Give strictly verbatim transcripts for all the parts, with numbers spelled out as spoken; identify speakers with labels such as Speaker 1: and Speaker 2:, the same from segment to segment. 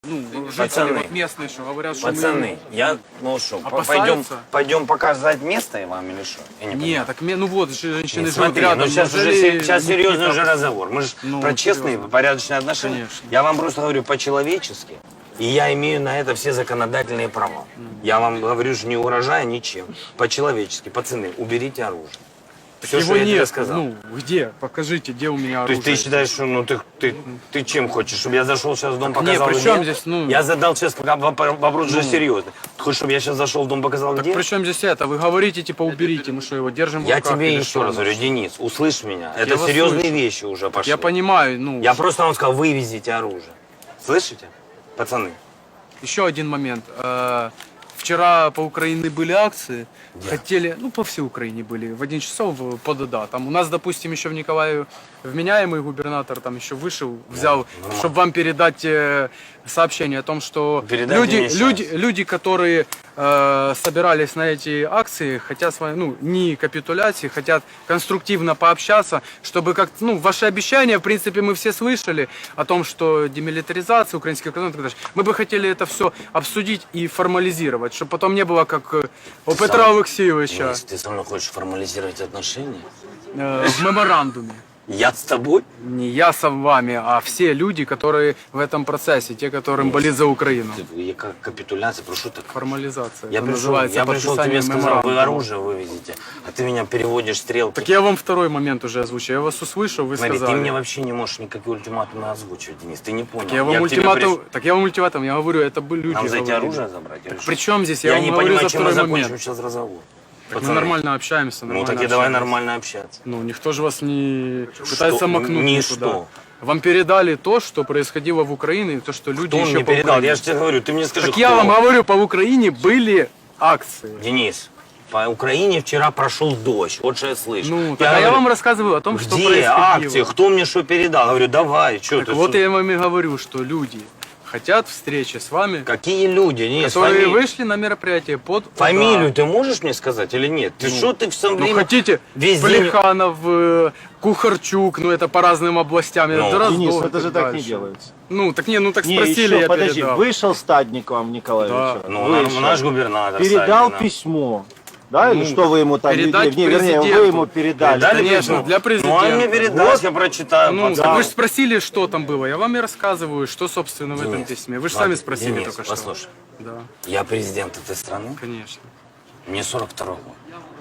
Speaker 1: Ну, жители
Speaker 2: Пацаны,
Speaker 1: вот местные, что говорят, что
Speaker 2: Пацаны, я, ну что,
Speaker 1: Опасаются?
Speaker 2: пойдем, пойдем показать место вам или что? Я не
Speaker 1: Нет,
Speaker 2: понимаю.
Speaker 1: так мне, ну вот, женщины
Speaker 2: Нет,
Speaker 1: живут
Speaker 2: смотри,
Speaker 1: рядом.
Speaker 2: ну сейчас уже
Speaker 1: неужели
Speaker 2: се- сейчас
Speaker 1: не
Speaker 2: серьезный
Speaker 1: какие-то-
Speaker 2: уже разговор. Мы же
Speaker 1: Ну,
Speaker 2: про честные,
Speaker 1: серьезно.
Speaker 2: порядочные отношения.
Speaker 1: Конечно.
Speaker 2: Я вам просто говорю по-человечески, и я имею на это все законодательные права. Я вам говорю, что не угрожая ничем. По-человечески, пацаны, уберите оружие. Все,
Speaker 1: Его
Speaker 2: что я тебе
Speaker 1: нет.
Speaker 2: сказал.
Speaker 1: Ну, где? Покажите, где у меня
Speaker 2: То
Speaker 1: оружие.
Speaker 2: есть ты считаешь, что ну ты, ты, ты чем хочешь, чтобы я зашел сейчас в дом,
Speaker 1: не,
Speaker 2: показал
Speaker 1: при
Speaker 2: где?
Speaker 1: чем здесь, ну-
Speaker 2: Я задал сейчас вопрос же серьезный. Ты хочешь, чтобы я сейчас зашел в дом, показал где?
Speaker 1: При чем здесь это? Вы говорите, типа, уберите, мы что, его держим в
Speaker 2: Я
Speaker 1: руках
Speaker 2: тебе
Speaker 1: или
Speaker 2: еще
Speaker 1: что?
Speaker 2: раз говорю, Денис, услышь меня. Это
Speaker 1: вас
Speaker 2: серьезные
Speaker 1: слышу.
Speaker 2: вещи уже пошли.
Speaker 1: Я понимаю, ну,
Speaker 2: Я просто вам сказал, вывезите оружие. Слышите, пацаны?
Speaker 1: еще один момент. Э, Вчера по Украине были акции, хотели, ну по всей Украине были, в один часов по ДДА. Там у нас, допустим, еще в Николаеве вменяемый губернатор там еще вышел, взял, чтобы вам передать э, сообщение о том, что
Speaker 2: Передайте
Speaker 1: люди,
Speaker 2: мне щас.
Speaker 1: люди, люди, которые э, собирались на эти акции, хотят с вами, ну, не капитуляции, хотят конструктивно пообщаться, чтобы как, ну, ваши обещания, в принципе, мы все слышали о том, что демилитаризация, украинский экономика, и так далее. Мы бы хотели это все обсудить и формализировать, чтобы потом не было как э, у Петра Алексеевича
Speaker 2: Денис, ты со мной хочешь формализировать отношения?
Speaker 1: э, в меморандуме.
Speaker 2: Я с тобой?
Speaker 1: Не я с вами, а все люди, которые в этом процессе, те, которым болит за Украину.
Speaker 2: Ты- Я как капитуляция, прошу так.
Speaker 1: Формализация.
Speaker 2: Я
Speaker 1: это
Speaker 2: пришел,
Speaker 1: называется
Speaker 2: я пришел,
Speaker 1: подписание
Speaker 2: тебе сказал, вы
Speaker 1: меморандума.
Speaker 2: оружие вывезете, а ты меня переводишь стрелки.
Speaker 1: Так я вам второй момент уже озвучил. Я вас услышал, вы
Speaker 2: Смотри,
Speaker 1: сказали.
Speaker 2: ты мне вообще не можешь никакие ультиматумы озвучивать, Денис, ты не понял.
Speaker 1: Я вам
Speaker 2: к тебе
Speaker 1: ультиматум,
Speaker 2: приш-
Speaker 1: так я вам ультиматум, я говорю, это были люди.
Speaker 2: Нам за эти
Speaker 1: говорили.
Speaker 2: оружие забрать? или что?
Speaker 1: При чем здесь? Я,
Speaker 2: Я
Speaker 1: вам
Speaker 2: не
Speaker 1: говорю
Speaker 2: понимаю,
Speaker 1: за
Speaker 2: чем мы
Speaker 1: второй
Speaker 2: закончим
Speaker 1: момент.
Speaker 2: сейчас разговор.
Speaker 1: Так мы
Speaker 2: Пацаны,
Speaker 1: нормально общаемся,
Speaker 2: Ну
Speaker 1: нормально
Speaker 2: так и давай
Speaker 1: общаемся.
Speaker 2: нормально общаться.
Speaker 1: Ну, никто же вас не пытается макнуть
Speaker 2: Ни
Speaker 1: никуда.
Speaker 2: что.
Speaker 1: Вам передали то, что происходило в Украине, и то, что люди
Speaker 2: Кто
Speaker 1: еще
Speaker 2: мне
Speaker 1: по
Speaker 2: передал?
Speaker 1: Украине.
Speaker 2: Я же тебе говорю, ты мне скажи,
Speaker 1: Так
Speaker 2: кто?
Speaker 1: я вам говорю, по Украине были акции.
Speaker 2: Денис, по Украине вчера прошел дождь, вот что я слышу.
Speaker 1: Ну, так, а я
Speaker 2: говорю,
Speaker 1: вам рассказываю о том, что
Speaker 2: где
Speaker 1: происходило.
Speaker 2: акции, кто мне что передал? Говорю, давай, что
Speaker 1: Так
Speaker 2: ты?
Speaker 1: вот
Speaker 2: что-
Speaker 1: я вам и говорю, что люди хотят встречи с вами,
Speaker 2: Какие люди, Денис,
Speaker 1: которые
Speaker 2: фами-
Speaker 1: вышли на мероприятие под удар.
Speaker 2: Фамилию ты можешь мне сказать или нет? Ты что ты в самом
Speaker 1: Ну,
Speaker 2: время
Speaker 1: хотите,
Speaker 2: везде...
Speaker 1: Плеханов, э, Кухарчук, ну это по разным областям.
Speaker 2: Ну.
Speaker 1: Дроздов
Speaker 3: Денис,
Speaker 1: и
Speaker 3: это же так не
Speaker 1: дальше.
Speaker 3: делается.
Speaker 1: Ну, так не, ну так
Speaker 3: Не,
Speaker 1: спросили,
Speaker 3: еще,
Speaker 1: я
Speaker 3: подожди,
Speaker 1: передал.
Speaker 3: вышел Стадник вам, Николаевич.
Speaker 2: Ну, нам- наш губернатор.
Speaker 3: Передал
Speaker 2: Сталин, да.
Speaker 3: письмо. Да, или
Speaker 1: Ну,
Speaker 3: что вы ему там,
Speaker 1: передать
Speaker 3: не, вернее, вы
Speaker 1: президенту.
Speaker 3: ему передали.
Speaker 2: Передали
Speaker 1: Конечно,
Speaker 2: письмо?
Speaker 1: для президента.
Speaker 2: Ну, он мне передаст, я прочитаю.
Speaker 1: Ну,
Speaker 2: пацан.
Speaker 1: так вы же спросили, что там было. Я вам и рассказываю, что, собственно, в этом
Speaker 2: Денис,
Speaker 1: письме. Вы же
Speaker 2: ладно,
Speaker 1: сами спросили
Speaker 2: Денис,
Speaker 1: только что.
Speaker 2: послушай,
Speaker 1: Да,
Speaker 2: я президент этой страны,
Speaker 1: конечно.
Speaker 2: мне сорок второй год.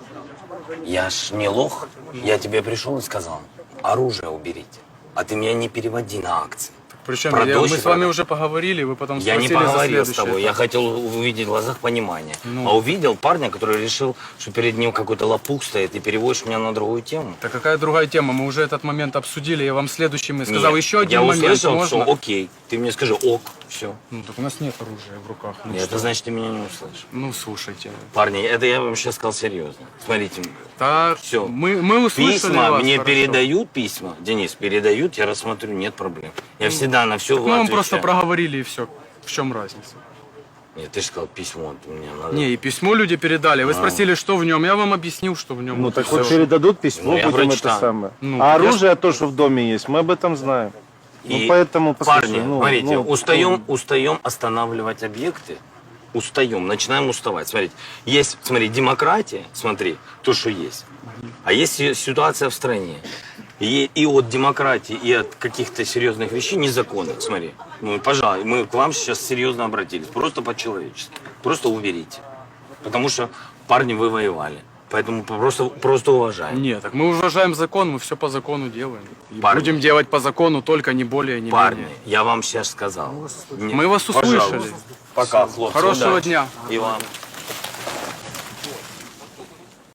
Speaker 2: Я ж не лох, я тебе пришел и сказал, оружие уберите, а ты меня не переводи на акции.
Speaker 1: Причем
Speaker 2: Про
Speaker 1: я-
Speaker 2: дождь
Speaker 1: мы
Speaker 2: и
Speaker 1: с вами
Speaker 2: про-
Speaker 1: уже поговорили, вы потом
Speaker 2: Я не
Speaker 1: спросили за
Speaker 2: поговорил с
Speaker 1: следующее.
Speaker 2: тобой, я хотел увидеть в глазах понимание.
Speaker 1: Ну.
Speaker 2: А увидел парня, который решил, что перед ним какой-то лопух стоит, и переводишь меня на другую тему.
Speaker 1: Так какая другая тема? Мы уже этот момент обсудили, я вам следующим и сказал.
Speaker 2: Нет,
Speaker 1: Еще один
Speaker 2: я
Speaker 1: момент,
Speaker 2: услышал,
Speaker 1: можно?
Speaker 2: что окей, ты мне скажи ок, все.
Speaker 1: Ну, так у нас нет оружия в руках. Ну,
Speaker 2: Это
Speaker 1: что?
Speaker 2: значит, ты меня не услышишь.
Speaker 1: Ну, слушайте.
Speaker 2: Парни, это я вам сейчас сказал серьезно. Смотрите,
Speaker 1: Так,
Speaker 2: Всё.
Speaker 1: мы, мы услышали
Speaker 2: письма
Speaker 1: вас,
Speaker 2: мне
Speaker 1: хорошо.
Speaker 2: передают письма, Денис, передают, я рассмотрю, нет проблем. Я всегда на все
Speaker 1: Так мы вам
Speaker 2: отвечаю.
Speaker 1: просто проговорили и все. В чем разница?
Speaker 2: Нет, ты же сказал письмо, ты мне надо.
Speaker 1: Не, и письмо люди передали. Вы спросили, что в нем. Я вам объяснил, что в нем.
Speaker 3: Ну
Speaker 1: Вот
Speaker 3: так
Speaker 1: и
Speaker 3: вот
Speaker 1: всё.
Speaker 3: передадут письмо,
Speaker 2: Ну, я
Speaker 3: будем
Speaker 2: прочитал.
Speaker 3: это самое.
Speaker 1: Ну,
Speaker 3: а
Speaker 1: я
Speaker 3: оружие, то, что в доме есть, мы об этом знаем.
Speaker 2: И,
Speaker 3: ну поэтому, послушай,
Speaker 2: парни,
Speaker 3: ну,
Speaker 2: смотрите,
Speaker 3: ну,
Speaker 2: устаем, устаем останавливать объекты, устаем, начинаем уставать. Смотрите, есть, смотри, демократия, смотри, то, что есть. А есть си- ситуация в стране. И, и от демократии, и от каких-то серьезных вещей незаконных, смотри. Ну, пожалуй, мы к вам сейчас серьезно обратились, просто по-человечески. Просто уберите. Потому что, парни, вы воевали. Поэтому просто, просто уважаем.
Speaker 1: Нет, так мы уважаем закон, мы все по закону делаем. И
Speaker 2: Парни.
Speaker 1: будем делать по закону, только не более, не
Speaker 2: Парни,
Speaker 1: менее.
Speaker 2: я вам сейчас сказал. Не-
Speaker 1: Мы вас
Speaker 2: Пожалуйста.
Speaker 1: услышали.
Speaker 2: Пока, хлопцы.
Speaker 1: Хорошего
Speaker 2: удачи.
Speaker 1: дня.
Speaker 2: И вам.